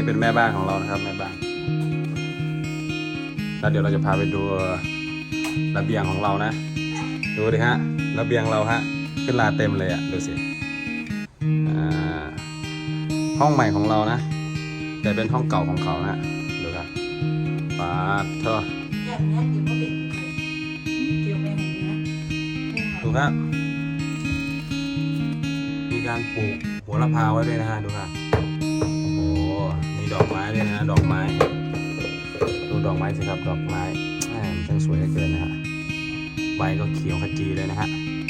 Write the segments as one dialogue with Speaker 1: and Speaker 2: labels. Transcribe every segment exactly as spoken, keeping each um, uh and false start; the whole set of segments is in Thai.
Speaker 1: เป็นแม่บ้านของเรานะครับแม่บ้านแล้วเดี๋ยวเราจะพาไปดูระเบียงของเรานะดูดิฮะระเบียงเราฮะขึ้นลาเต็มเลยอะดูสิห้องใหม่ของเรานะแต่เป็นห้องเก่าของเขานะดูครับปาดเถอะดูครับมีการปลูกหัวละพาไว้ด้วยนะฮะดูครับโอ้โหมีดอกไม้ด้วยนะดอกไม้ดูดอกไม้สิครับดอกไม้มันช่างสวยเหลือเกินนะฮะใบก็เขียวขจีเลยนะฮะ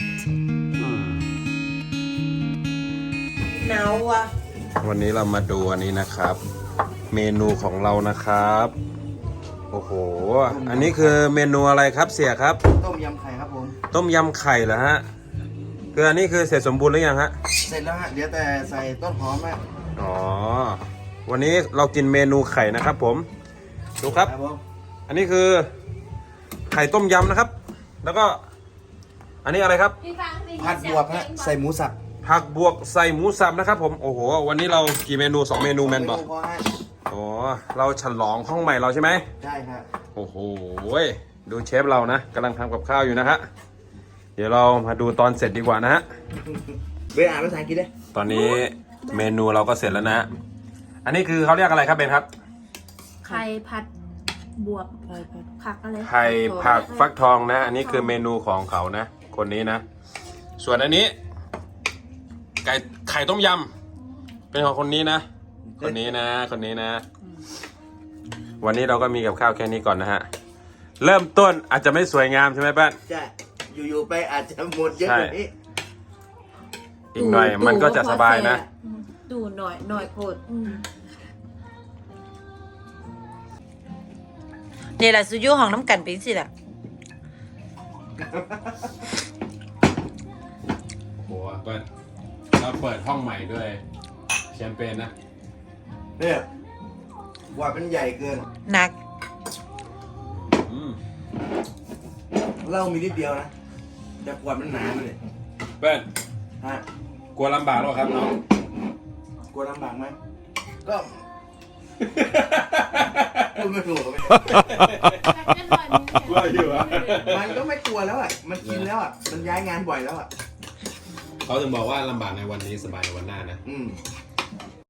Speaker 2: หนาวอ่ะ
Speaker 1: วันนี้เรามาดูอันนี้นะครับเมนูของเรานะครับโอ้โหอันนี้คือเมนูอะไรครับเสี่ยครับ
Speaker 3: ต้มยำไข่ครับผม
Speaker 1: ต้มยำไข่เหรอฮะคืออันนี้คือเสร็จสมบูรณ์หรือยังฮะ
Speaker 3: เสร็จแล้วฮะเดี๋ยวแต่ใส่ต้นหอมฮะ
Speaker 1: อ๋อวันนี้เรากินเมนูไข่นะครับผมดูครับอันนี้คือไข่ต้มยำนะครับแล้วก็อันนี้อะไรครับ
Speaker 3: ผัดบวบฮะใส่หมูสับ
Speaker 1: ผักบวกใส่หมูสับนะครับผมโอ้โหวันนี้เรากี่เมนูสองเมนูแมนบอกอ๋อเราฉลองห้องใหม่เราใช่ไหม
Speaker 3: ใช่ครับ
Speaker 1: โอ้โหดูเชฟเรานะกำลังทำกับข้าวอยู่นะฮะเดี๋ยวเรามาดูตอนเสร็จดีกว่านะฮะ
Speaker 3: เบนอ่านภาษาอังกฤษเลย
Speaker 1: ตอนนี้เมนูเราก็เสร็จแล้วนะอันนี้คือเขาเรียกอะไรครับเบนครับ
Speaker 2: ไข่ผัดบวกผักอะไร
Speaker 1: ไข่ผักฟักทองนะอันนี้คือเมนูของเขานะคนนี้นะส่วนอันนี้ไก่ไข่ต้มยำเป็นของคนนี้นะคนนี้นะคนนี้นะวันนี้เราก็มีกับข้าวแค่นี้ก่อนนะฮะเริ่มต้นอาจจะไม่สวยงามใช่ไหมป้า
Speaker 3: ใช่อยู่ๆไปอาจจะหมดเยอะกว่านี้
Speaker 1: อีกหน่อยมันก็จะสบายนะ
Speaker 2: ดูหน่อยหน่อยโคตร
Speaker 4: นี่แหละสุยุของน้ำกันเป็นสิล่ะ
Speaker 1: โอ้โหเปิดเราเปิดห้องใหม่ด้วยแชมเปญนะ
Speaker 3: เนี่ยว่าเป็นใหญ่เกิน
Speaker 4: หนัก
Speaker 3: เหล้ามีนิดเดียวนะแต่ขวดมันหนาเลย
Speaker 1: เปิ้ล
Speaker 3: ฮะ
Speaker 1: กลัวลำบากหรอครับน้อง
Speaker 3: กลัวลำบากไหมก็พูดไม่ถูกเลย
Speaker 1: กลัวอยู่อ่ะ
Speaker 3: มันก็ไม่กลัวแล้วอ่ะมันกินแล้วอ่ะมันย้ายงานบ่อยแล้วอ่ะ
Speaker 1: เขาถึงบอกว่าลำบากในวันนี้สบายในวันหน้านะ
Speaker 3: อืม